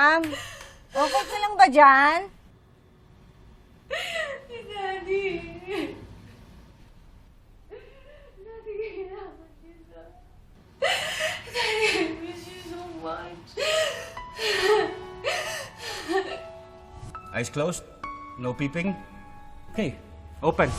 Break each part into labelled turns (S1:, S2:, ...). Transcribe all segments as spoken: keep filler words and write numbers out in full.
S1: ma'am. Okay ka lang ba dyan?
S2: Daddy. Daddy, kailangan kita. Daddy, I miss you so much.
S3: Eyes closed. No peeping. Okay, open.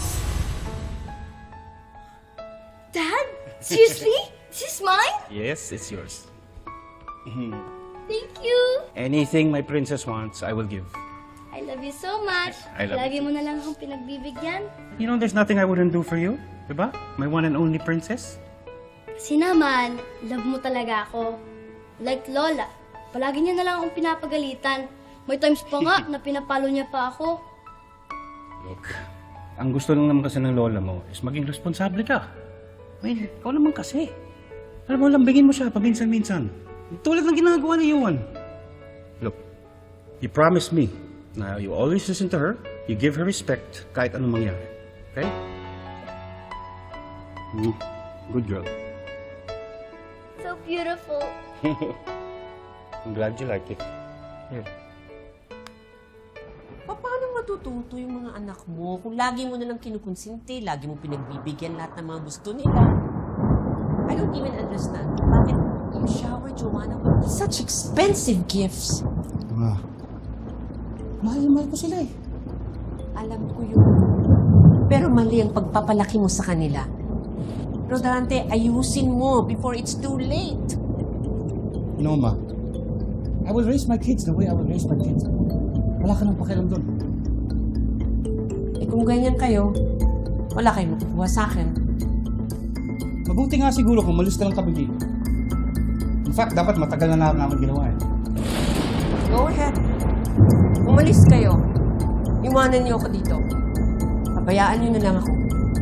S2: Dad? Seriously? This is mine?
S3: Yes, it's yours.
S2: Thank you.
S3: Anything my princess wants, I will give.
S2: I love you so much.
S3: I love
S2: Lagi
S3: you
S2: mo na lang akong pinagbibigyan.
S3: You know, there's nothing I wouldn't do for you. Diba? My one and only princess.
S2: Kasi naman, love mo talaga ako. Like Lola, palagi niya na lang akong pinapagalitan. May times pa nga na pinapalo niya pa ako.
S3: Look, ang gusto lang naman kasi ng lola mo is maging responsable ka. Well, ikaw naman kasi. Alam mo, lambingin mo siya paminsan-minsan. Tulad ng ginagawa ni Yuan. Look, you promise me na you always listen to her, you give her respect kahit anong mangyari. Okay? Mm, good girl.
S2: So beautiful.
S3: I'm glad you like it. Here.
S4: Paano matututo yung mga anak mo kung lagi mo nalang kinukonsinti, lagi mo pinagbibigyan lahat ng mga gusto nila? I don't even understand. Bakit you shower Joanna with such expensive gifts?
S3: Ma, mahal na mahal ko sila eh.
S4: Alam ko yun. Pero mali ang pagpapalaki mo sa kanila. Rodante, ayusin mo before it's too late.
S3: You know, Ma, I will raise my kids the way I will raise my kids. Wala ka nang pakialam doon.
S4: Eh kung ganyan kayo, wala kayong makukuha sa akin.
S3: Mabuti nga siguro kung malis ka lang kami dito. In fact, dapat matagal na namin ginawa eh.
S4: Go ahead. Umalis kayo. Iwanan niyo ako dito. Pabayaan niyo na lang ako.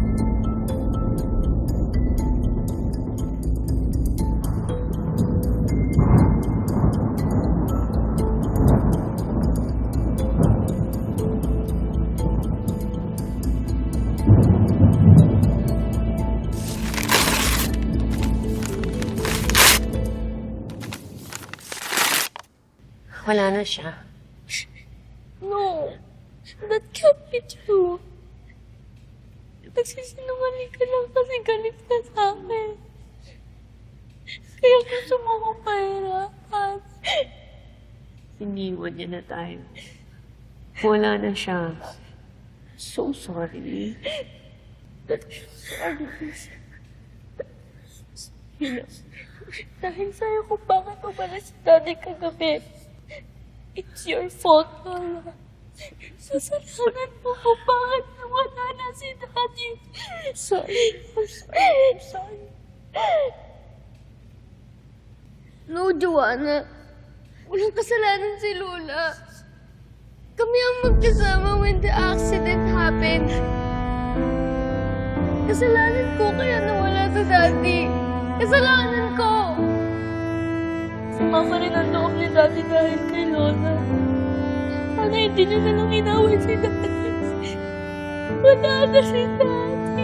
S4: Wala na siya.
S2: No, that can't be true. Nagsisinungaling ka lang kasi galit ka sa akin. Kaya gusto mo akong pahirapan.
S5: Iniwan niya na tayo. Wala na siya. So sorry.
S2: Dahil sa'yo kung bakit umalis si Daddy kagabi. It's your fault, Lola. Sasalanan mo kung bakit nawala na si Daddy. Sorry. I'm sorry. I'm sorry. No, Joanna. Walang kasalanan si Lola. Kami ang magkasama when the accident happened. Kasalanan ko kaya nawala si Daddy. Kasalanan ko! Sumama rin ang loob ni Daddy dahil kay Lola. Sana hindi niya na lang inaway si Daddy. Wala na si Daddy.